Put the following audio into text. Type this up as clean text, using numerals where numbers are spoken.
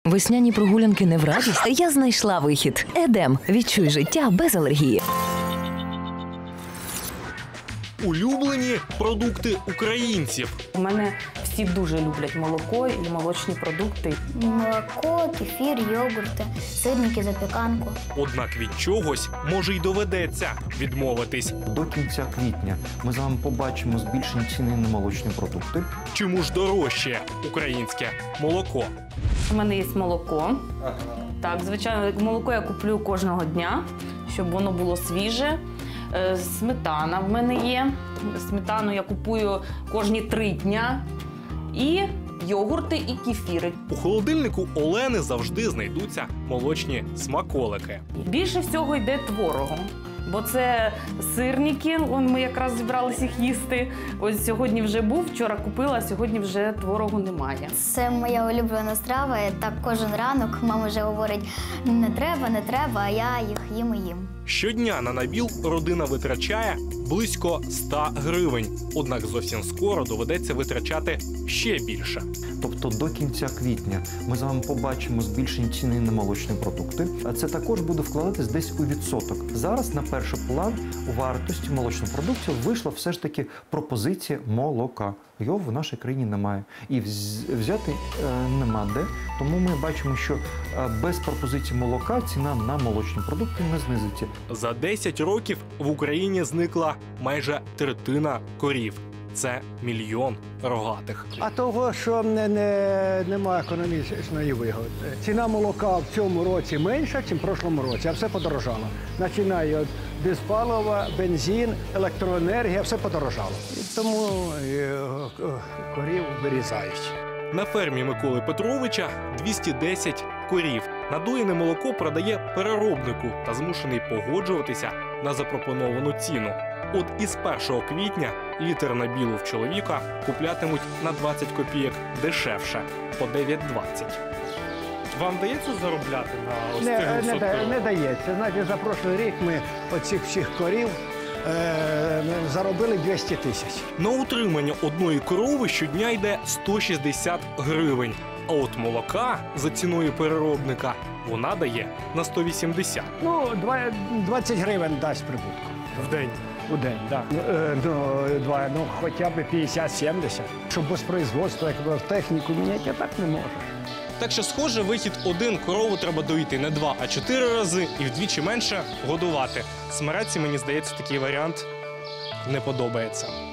Весняні прогулянки не в радість? Я знайшла вихід. Едем. Відчуй життя без алергії. Улюблені продукти українців. У мене всі дуже люблять молоко і молочні продукти. Молоко, кефір, йогурти, сирники, запіканку. Однак від чогось, може, й доведеться відмовитись. До кінця квітня ми з вами побачимо збільшені ціни на молочні продукти. Чому ж дорожче українське молоко? У мене є молоко. Так, звичайно, молоко я куплю кожного дня, щоб воно було свіже. Сметана в мене є. Сметану я купую кожні 3 дня. І йогурти, і кефіри. У холодильнику Олени завжди знайдуться молочні смаколики. Більше всього йде творогу. Бо це сирники, ми якраз зібралися їх їсти. Ось сьогодні вже був, вчора купила, а сьогодні вже творогу немає. Це моя улюблена страва. Так кожен ранок мама вже говорить, не треба, а я їх їм і їм. Щодня на набіл родина витрачає близько 100 гривень. Однак зовсім скоро доведеться витрачати ще більше. Тобто до кінця квітня ми з вами побачимо збільшені ціни на молочні продукти. А це також буде вкладатись десь у відсоток. Зараз на перший план у вартості молочних продуктів вийшла все ж таки пропозиція молока. Його в нашій країні немає. І взяти нема де. Тому ми бачимо, що без пропозиції молока ціна на молочні продукти не знизиться. За 10 років в Україні зникла майже третина корів. Це 1 мільйон рогатих. А того, що немає економічної вигоди. Ціна молока в цьому році менша, ніж в прошлому році, а все подорожало. Починає від безпалива, бензин, електроенергія, все подорожало. І тому корів вирізають. На фермі Миколи Петровича 210 корів. Надоїне молоко продає переробнику та змушений погоджуватися на запропоновану ціну. От із 1 квітня літр набілу в чоловіка куплятимуть на 20 копійок дешевше – по 9,20. Вам вдається заробляти на ось цих Не дається. Значить, за прошлий рік ми оцих всіх корів заробили 200 тисяч. На утримання одної корови щодня йде 160 гривень. А от молока за ціною переробника вона дає на 180. Ну, 20 гривень дасть прибутку. В день. У день, так. Хоча б 50-70. Щоб без производства, як техніку міняти, так не можеш. Так що, схоже, вихід один: корову треба доїти не 2, а 4 рази і вдвічі менше годувати. Смереці, мені здається, такий варіант не подобається.